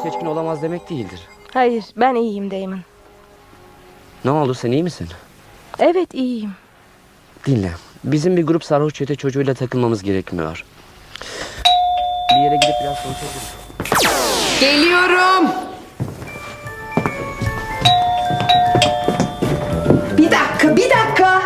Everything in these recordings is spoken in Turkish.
birkaç gün olamaz demek değildir. Hayır, ben iyiyim Damon. Ne oldu, sen iyi misin? Evet, iyiyim. Dinle. Bizim bir grup sarhoş çete çocuğuyla takılmamız gerekmiyor. Bir yere gidip biraz konuşabiliriz. Geliyorum. Bir dakika.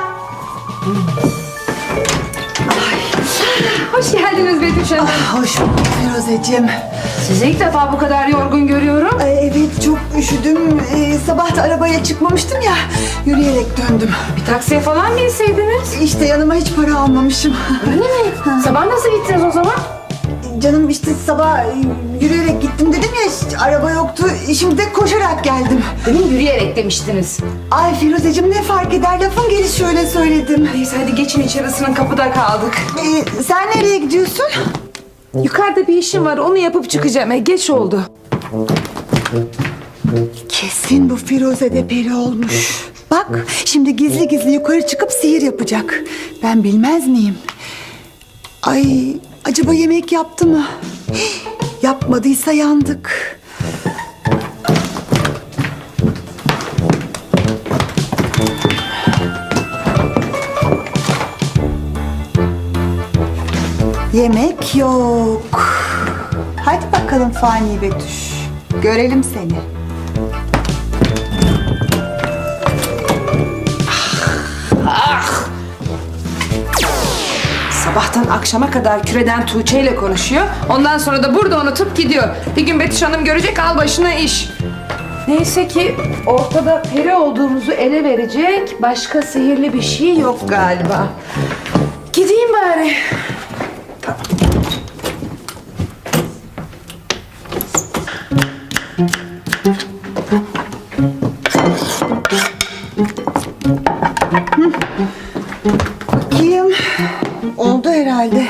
Hoş geldiniz Betüş Hanım. Hoş bulduk Firuzeciğim. Sizi ilk defa bu kadar yorgun görüyorum. Evet çok üşüdüm. Sabah da arabaya çıkmamıştım ya. Yürüyerek döndüm. Bir taksiye falan binseydiniz. İşte yanıma hiç para almamışım. Öyle mi? Sabah nasıl gittiniz o zaman? Canım işte sabah yürüyerek gittim dedim ya, hiç araba yoktu. Şimdi de koşarak geldim. Demin yürüyerek demiştiniz. Ay Firuzeciğim ne fark eder, lafın gelişi şöyle söyledim. Neyse hadi geçin içeri, ısının, kapıda kaldık. Sen nereye gidiyorsun? Yukarıda bir işim var, onu yapıp çıkacağım. Geç oldu. Kesin bu Firuze de peri olmuş. Bak şimdi gizli gizli yukarı çıkıp sihir yapacak. Ben bilmez miyim? Ay acaba yemek yaptı mı? Hih, yapmadıysa yandık. Yemek yok. Hadi bakalım Fani Betüş. Görelim seni. Sabahtan akşama kadar küreden Tuğçe ile konuşuyor. Ondan sonra da burada unutup gidiyor. Bir gün Betüş Hanım görecek, al başına iş. Neyse ki ortada peri olduğumuzu ele verecek başka sihirli bir şey yok galiba. Gideyim bari. Bakayım. Oldu herhalde.